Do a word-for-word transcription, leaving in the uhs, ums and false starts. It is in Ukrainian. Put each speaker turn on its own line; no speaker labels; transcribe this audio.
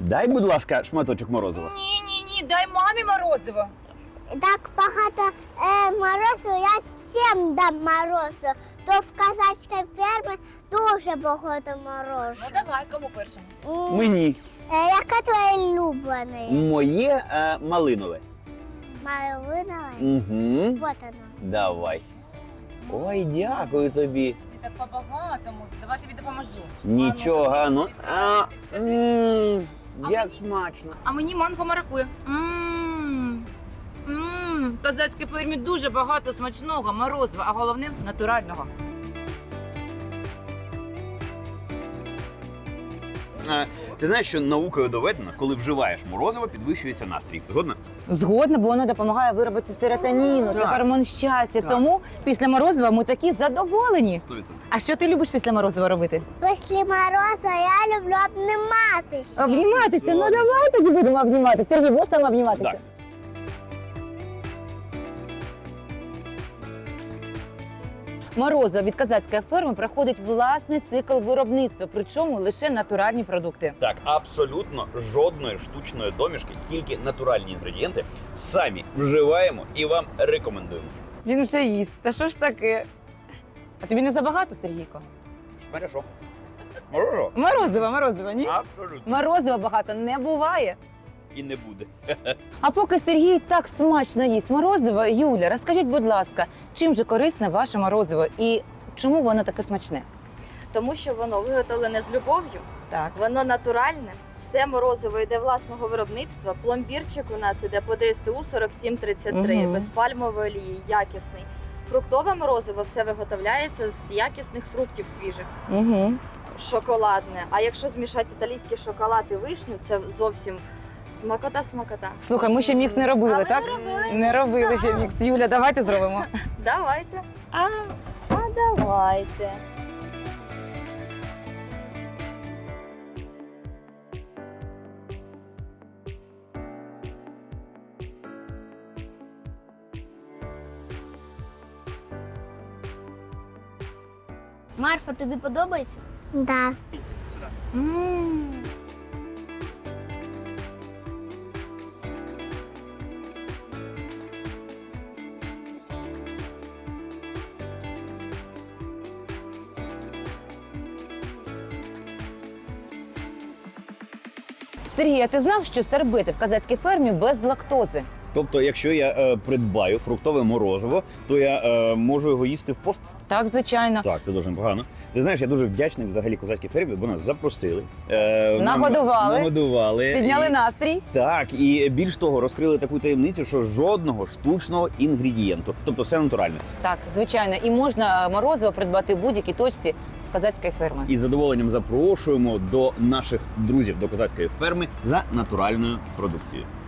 дай, будь ласка, шматочок морозива.
Ні, ні, ні, дай мамі морозиво.
Так багато е, морозу, я всім дам морозу. То в казацькій фермі дуже багато морозу.
Ну давай, кому першому?
М,
Мені.
е, Яке твоє улюблене?
Моє е, малинове.
Малинове?
Угу.
Вот оно.
Давай. Ой, дякую тобі.
Ти так по-багатому. Давай тобі допоможу.
Нічого,
А ну,
ну. А, м, як смачно.
А мені манго маракує. Ммм. Ммм. В казацькій фермі дуже багато смачного морозива, а головне натурального.
Е, Ти знаєш, що наукою доведено, коли вживаєш морозиво, підвищується настрій. Згодна?
Згодна, бо воно допомагає виробити серотоніну, це
Так.
гормон щастя.
Так.
Тому після морозива ми такі задоволені.
сто відсотків.
А що ти любиш після морозива робити?
Після морозу я люблю обніматися.
Обніматися. Ну
Згодна.
давай тоді будемо обніматися. Сергій, будеш там обніматися?
Так.
Морозиво від казацької ферми проходить власний цикл виробництва, причому лише натуральні продукти.
Так, абсолютно жодної штучної домішки, тільки натуральні інгредієнти самі вживаємо і вам рекомендуємо.
Він вже їсть. Та що ж таке? А тобі не забагато, Сергійко?
Хорошо. Морозиво?
Морозиво, морозиво, ні?
Абсолютно.
Морозива багато не буває.
І не буде.
А поки Сергій так смачно їсть морозиво, Юля, розкажіть, будь ласка, чим же корисне ваше морозиво і чому воно таке смачне?
Тому що воно виготовлене з любов'ю,
Так.
воно натуральне, все морозиво йде власного виробництва. Пломбірчик у нас іде по ДСТУ сорок сім тридцять три,
Мгм.
без пальмової олії, якісний. Фруктове морозиво все виготовляється з якісних фруктів свіжих,
Угу.
шоколадне. А якщо змішати італійський шоколад і вишню, це зовсім смакота-смакота.
Слухай, ми ще мікс не робили,
А ви
так?
не робили?
Не робили ще мікс. Юля, давайте зробимо.
Давайте. А, а давайте.
Марфа, тобі подобається? Да.
Сергій, а ти знав, що сорбети в казацькій фермі без лактози?
Тобто, якщо я е, придбаю фруктове морозиво, то я е, можу його їсти в пост?
Так, звичайно.
Так, це дуже непогано. Ти знаєш, я дуже вдячний взагалі козацькій фермі, бо нас запросили. Е, нам-
Нагодували.
Нагодували.
Підняли
І-
настрій.
Так, і більш того, розкрили таку таємницю, що жодного штучного інгредієнту. Тобто все натуральне.
Так, звичайно. І можна морозиво придбати в будь-якій точці казацької ферми.
І з задоволенням запрошуємо до наших друзів до козацької ферми за натуральною продукцією.